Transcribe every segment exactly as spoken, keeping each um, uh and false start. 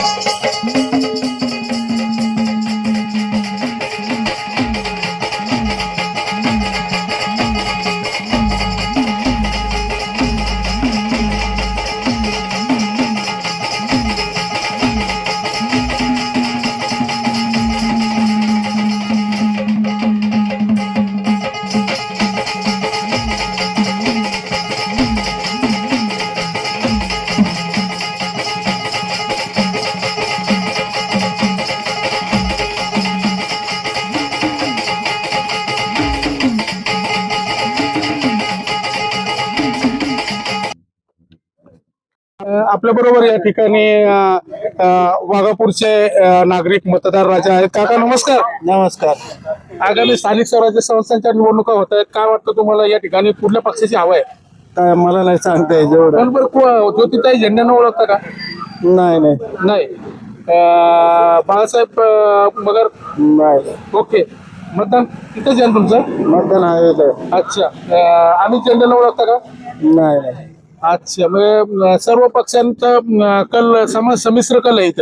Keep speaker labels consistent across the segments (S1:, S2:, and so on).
S1: आपल्या बरोबर या ठिकाणी वाघापूरचे नागरिक मतदार राजा आहेत. काका नमस्कार.
S2: नमस्कार.
S1: आगामी स्थानिक स्वराज्य संस्थांच्या निवडणुका होत आहेत, काय वाटतं तुम्हाला या ठिकाणी कुठल्या पक्षाची हवा आहे?
S2: काय मला नाही सांगता येईल जेवढं.
S1: बरोबर ज्योतिताई झेंड्यांना ओळखता का?
S2: नाही नाही
S1: नाही. अं, बाळासाहेब अं, मगर
S2: नाही.
S1: ओके. मतदान तिथंच आहे तुमचं?
S2: मतदान आहे.
S1: अच्छा. अं, अमित झेंड्यांना ओळखता का?
S2: नाही नाही.
S1: अच्छा. म्हणजे सर्व पक्षांचा अं, कल सम संमिश्र कल आहे इथं.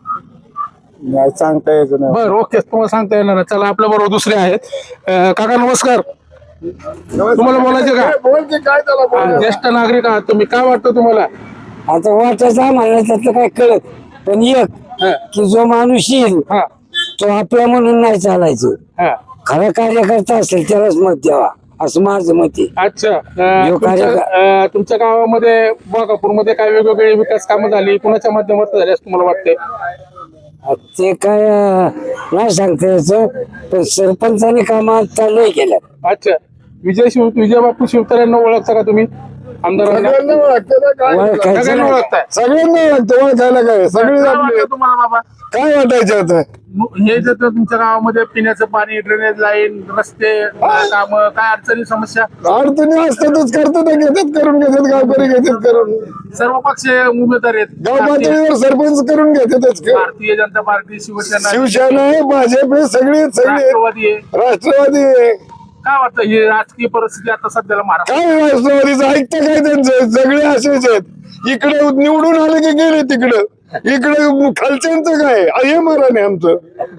S2: नाही सांगता येत नाही.
S1: बरं, ओके. तुम्हाला सांगता येणार नाही. चला आपल्या बरोबर दुसरे आहेत. अं, काका नमस्कार. तुम्हाला बोलायचं का? हा, ज्येष्ठ नागरिक आहात तुम्ही, काय वाटतं तुम्हाला?
S2: आता वाटायचं आम्हाला त्यातलं काय कळत, पण एक
S1: हा,
S2: की जो माणूस येईल
S1: हा,
S2: तो आपला म्हणून नाही चालायचं.
S1: हा.
S2: खरा कार्यकर्ता असेल त्यालाच मत द्यावा असं माझं मत आहे.
S1: अच्छा. अं,
S2: जो
S1: तुमच्या
S2: कार्य-
S1: अं, तुमच्या गावामध्ये मध्ये काय वेगवेगळी विकास कामं झाली, कुणाच्या माध्यमातून झाली असं तुम्हाला वाटतंय?
S2: ते काय अं, नाही सांगता यायचं, पण सरपंचाने काम आता लय केलं.
S1: अच्छा. विजय शिव विजय बापू शिवतारेंना ओळखता का तुम्ही? आमदारांना
S2: ओळखायचं
S1: सगळ्यांना
S2: नाही.
S1: ओळखताय?
S2: सगळ्यांना ओळखतं, ओळखायला काय सगळे
S1: काय
S2: आपले.
S1: वाटतं तुम्हाला बाबा?
S2: काय वाटायचं आता?
S1: हे जर तुमच्या गावामध्ये पिण्याचं पाणी, ड्रेनेज लाईन, रस्ते काम, काय अडचणी समस्या?
S2: अडचणी असतातच, करतात ना, घेतात करून घेतात, गावकरी घेतात करून.
S1: सर्व पक्ष उमेदवार आहेत.
S2: गाव
S1: भारतीय
S2: पातळीवर सरपंच करून घेतातच.
S1: भारतीय जनता पार्टी, शिवसेना,
S2: शिवसेना आहे, भाजप आहे, सगळे सगळे
S1: राष्ट्रवादी आहे.
S2: राष्ट्रवादी आहे.
S1: काय वाटतं ही राजकीय परिस्थिती आता सध्याला महाराष्ट्र?
S2: काय राष्ट्रवादीचं ऐकतं काय त्यांचं? सगळे असेच आहेत. इकडे निवडून आले की गेले तिकडं, इकडे खालच्यांचं काय हे मराने आमचं.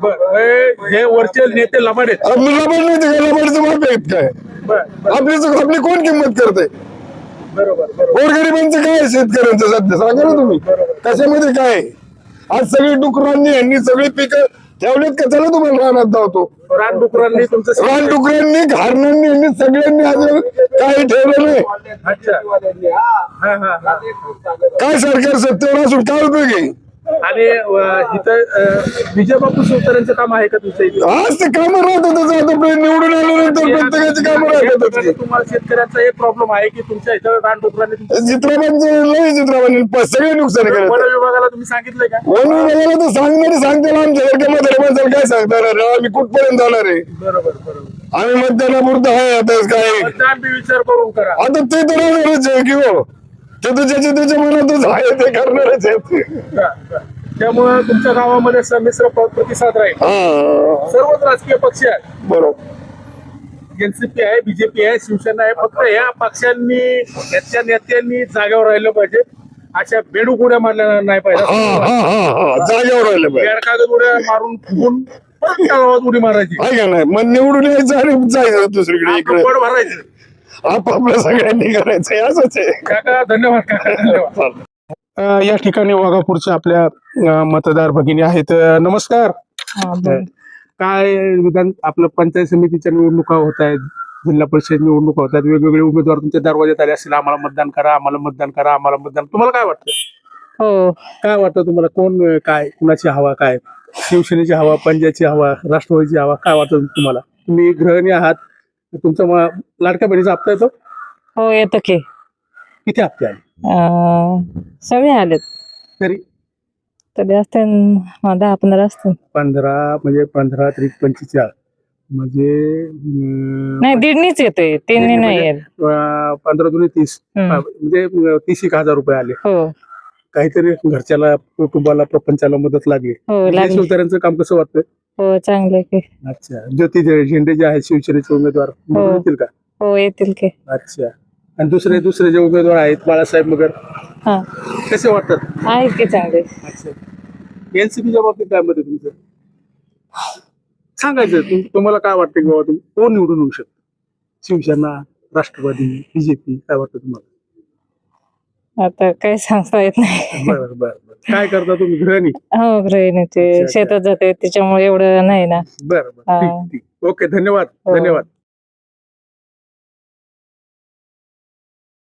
S1: हे वरचे नेते लबाड आहेत.
S2: लबाड नाही ते काय, लबाडचं माप आहेत काय? आपली आपली कोण किंमत करते?
S1: बरोबर.
S2: गोरगरिबांचं काय आहे शेतकऱ्यांचं सध्या सांगा ना तुम्ही, कशामध्ये काय आहे? आज सगळी डुकरांनी यांनी सगळी पिकं ठेवलेत का? चला तुम्हाला रानात धावतो.
S1: रानडुकरांनी तुमचं
S2: रान डुकरांनी घारणांनी यांनी सगळ्यांनी आज काही ठेवलं नाही.
S1: अच्छा. हा, हा, हा.
S2: काय सरकार सत्तेवर असून काय उपयोग आहे?
S1: आणि अं, इथं अं, विजय बापू शिवतारेंचं काम आहे का तुमच्या इथे?
S2: आज ते कामं राहतातच. आता निवडून आल्यानंतर प्रत्येकाची कामं राहतातच.
S1: तुम्हाला शेतकऱ्यांचा एक प्रॉब्लेम आहे की तुमच्या इथं रानडुकरांनी तुमच्या-
S2: चित्रपटांचं लय चित्रपटांनी सगळे नुकसान
S1: वन
S2: करत.
S1: विभागाला तुम्ही सांगितलंय का?
S2: वन विभागाला तर सांगणारे सांगताना आमच्या सारख्या म्हाताऱ्या काय सांगणार आहे? आम्ही कुठपर्यंत जाणार आहे?
S1: बरोबर बरोबर.
S2: आम्ही मतदानापुरतं आहे आता काय.
S1: मतदान बी विचार करून करा.
S2: आता ते तर होणारच आहे की हो, ते तर ज्याच्या त्याच्या मनातच आहे ते करणारच आहेत.
S1: त्यामुळे तुमच्या गावामध्ये संमिश्र प- प्रतिसाद राहील.
S2: हा
S1: सर्वच राजकीय पक्ष आहेत.
S2: बरोबर.
S1: एनसीपी आहे, बीजेपी आहे, शिवसेना आहे. फक्त या पक्षांनी, याच्या नेत्यांनी जागेवर राहिलं पाहिजे. अशा बेडूक उड्या मारल्या नाही पाहिजे.
S2: हा हा हा हा जागेवर राहिले पाहिजे.
S1: कागद उड्या मारून फुगून परत त्या गावात उडी मारायची,
S2: आहे का नाही? मग निवडून यायचं आणि जायचं दुसरीकडे, इकडे
S1: पड भरायचं.
S2: आपापलं सगळ्यांनी करायचं असंच आहे.
S1: काका धन्यवाद. काका धन्यवाद. अं, या ठिकाणी वाघापूरच्या आपल्या अं, मतदार भगिनी आहेत. अं, नमस्कार. काय विधान आपलं पंचायत समितीच्या निवडणुका होत आहेत, जिल्हा परिषद निवडणुका होत आहेत, वेगवेगळे उमेदवार तुमच्या दरवाज्यात आले असतील, आम्हाला मतदान करा, आम्हाला मतदान करा, आम्हाला मतदान. तुम्हाला काय वाटतं?
S3: हो.
S1: काय वाटतं तुम्हाला? कोण अं, काय कुणाची हवा? काय शिवसेनेची हवा, पंजाबची हवा, राष्ट्रवादीची हवा? काय वाटतं तुम्हाला? तुम्ही गृहिणी आहात, तुमचा म- लाडक्या बहिणीचा हप्ता येतो?
S3: हो येतं की.
S1: किती हप्ते आहे
S3: अं, सगळे आलेत
S1: तरी?
S3: तरी असते न- दहा पंधरा असते.
S1: पंधरा म्हणजे पंधरा त्रिक पंचेचाळीस म्हणजे अं,
S3: नाही दीडनीच येतोय, तीननी नाही येत.
S1: अं, पंधरा दोन्ही तीस,
S3: हम्म.
S1: म्हणजे अं, तीस एक हजार रुपये आले.
S3: हो
S1: काहीतरी घरच्याला, कुटुंबाला, प्रपंचाला मदत लागली.
S3: हो
S1: विजय
S3: लागले.
S1: शिवतारेंचं काम कसं वाटतं?
S3: हो चांगले की.
S1: अच्छा. ज्योती झे- झेंडे जे आहेत शिवसेनेचे उमेदवार, निवडून येतील का?
S3: हो येतील की.
S1: अच्छा. आणि दुसरे दुसरे जे उमेदवार आहेत, बाळासाहेब मगर,
S3: हा
S1: कसे वाटतात?
S3: आहेत की चांगले.
S1: अच्छा. एनसीपीच्या बाबतीत काय मत आहे तुमचं? सांगायचं तुम- तुम्हाला काय वाटतं की बाबा तुम्ही कोण निवडून येऊ शकतो? शिवसेना, राष्ट्रवादी, बीजेपी, काय वाटतं तुम्हाला?
S3: आता काय सांगता येत नाही.
S1: बरं बरं बरं. काय करता तुम्ही गृहिणी?
S3: हो गृहिणी ते
S1: अच्छा, अच्छा.
S3: शेतात जाते त्याच्यामुळे एवढं नाही ना.
S1: बरं बरं
S3: हा.
S1: ठीक ठीक. ओके धन्यवाद
S3: हो.
S1: धन्यवाद.